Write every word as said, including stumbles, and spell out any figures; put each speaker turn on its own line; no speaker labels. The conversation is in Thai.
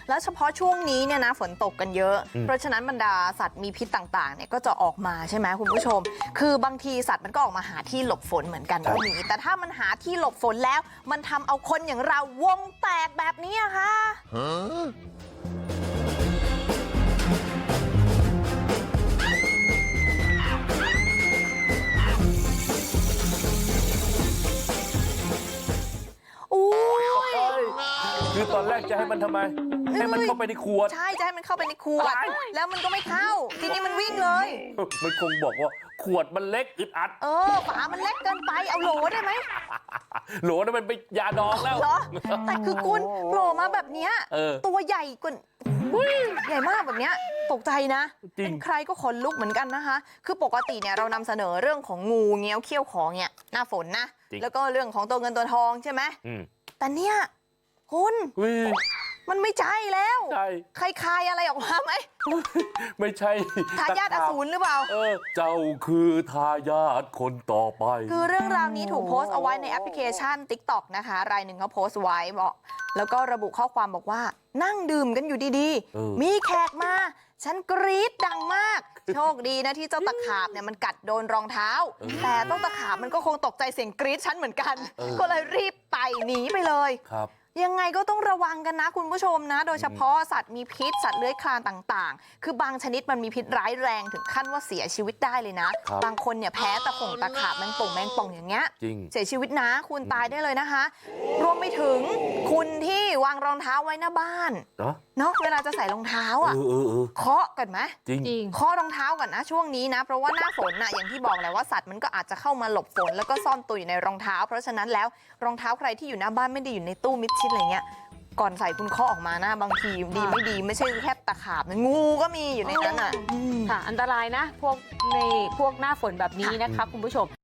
แล้วเฉพาะช่วงนี้เนี่ยนะฝนตกกันเยอะเพราะฉะนั้นบรรดาสัตว์มีพิษต่างๆเนี่ยก็จะออกมาใช่ไหมคุณผู้ชมคือบางทีสัตว์มันก็ออกมาหาที่หลบฝนเหมือนกันก็มีแต่ถ้ามันหาที่หลบฝนแล้วมันทำเอาคนอย่างเราวงแตกแบบนี้ค่ะ
คือตอนแรกจะให้มันทำไมให้มันเข้าไปในขวด
ใช่จะให้มันเข้าไปในขวดแล้วมันก็ไม่เข้าทีนี้มันวิ่งเลย
มันคงบอกว่าขวดมันเล็กอึดอัด
เออฝามันเล็กเกินไปเอาโหลได้ไหม
โหลนั่นมันเป็นยาดองแล้ว
เหรอแต่คือคุณโผล่มาแบบเนี้ยตัวใหญ่กว่าใหญ่มากแบบเนี้ยตกใจนะเป็นใครก็ขนลุกเหมือนกันนะคะคือปกติเนี่ยเรานำเสนอเรื่องของงูเงี้ยวเขี้ยวของเนี่ยหน้าฝนนะแล้วก็เรื่องของตัวเงินตัวทองใช่ไหมแต่เนี่ยคุณมันไม่ใช่แล้วใครคายอะไรออกมาไหม
ไม่ใช่
ทายาทอสูรหรือเปล่า
เออเจ้าคือทายาทคนต่อไป
คือเรื่องราวนี้ถูกโพสต์เอาไว้ในแอปพลิเคชัน ติ๊กต็อก นะคะรายหนึ่งเขาโพสต์ไว้บอกแล้วก็ระบุข้อความบอกว่านั่งดื่มกันอยู่ดีๆมีแขกมาฉันกรี๊ดดังมากโชคดีนะที่เจ้าตะขาบเนี่ยมันกัดโดนรองเท้าแต่เจ้าตะขาบมันก็คงตกใจเสียงกรี๊ดฉันเหมือนกันก็เลยรีบไปหนีไปเลย
ครับ
ยังไงก็ต้องระวังกันนะคุณผู้ชมนะโดยเฉพาะสัตว์มีพิษสัตว์เลื้อยคลานต่างๆคือบางชนิดมันมีพิษร้ายแรงถึงขั้นว่าเสียชีวิตได้เลยนะบางคนเนี่ยแพ้ตะข่งตะขาบแมงป่องแมงป่องอย่างเงี้ยเสียชีวิตนะคุณตายได้เลยนะคะรวมไปถึงคุณที่วางรองเท้าไว้หน้าบ้านเนาะเวลาจะใส่รองเท้าอ่ะเคาะก่อนไหม
จริง
เคาะรองเท้าก่อนนะช่วงนี้นะเพราะว่าหน้าฝนน่ะอย่างที่บอกแหละว่าสัตว์มันก็อาจจะเข้ามาหลบฝนแล้วก็ซ่อนตัวอยู่ในรองเท้าเพราะฉะนั้นแล้วรองเท้าใครที่อยู่หน้าบ้านไม่ได้อยู่ในตู้มิดชิดอะไรเงี้ยก่อนใส่คุณเคาะออกมานะบางทีดีไม่ดีไม่ใช่แค่ตะขาบงูก็มีอยู่ในนั้นอ่ะ
ค่ะอันตรายนะพวกในพวกหน้าฝนแบบนี้นะคะคุณผู้ชม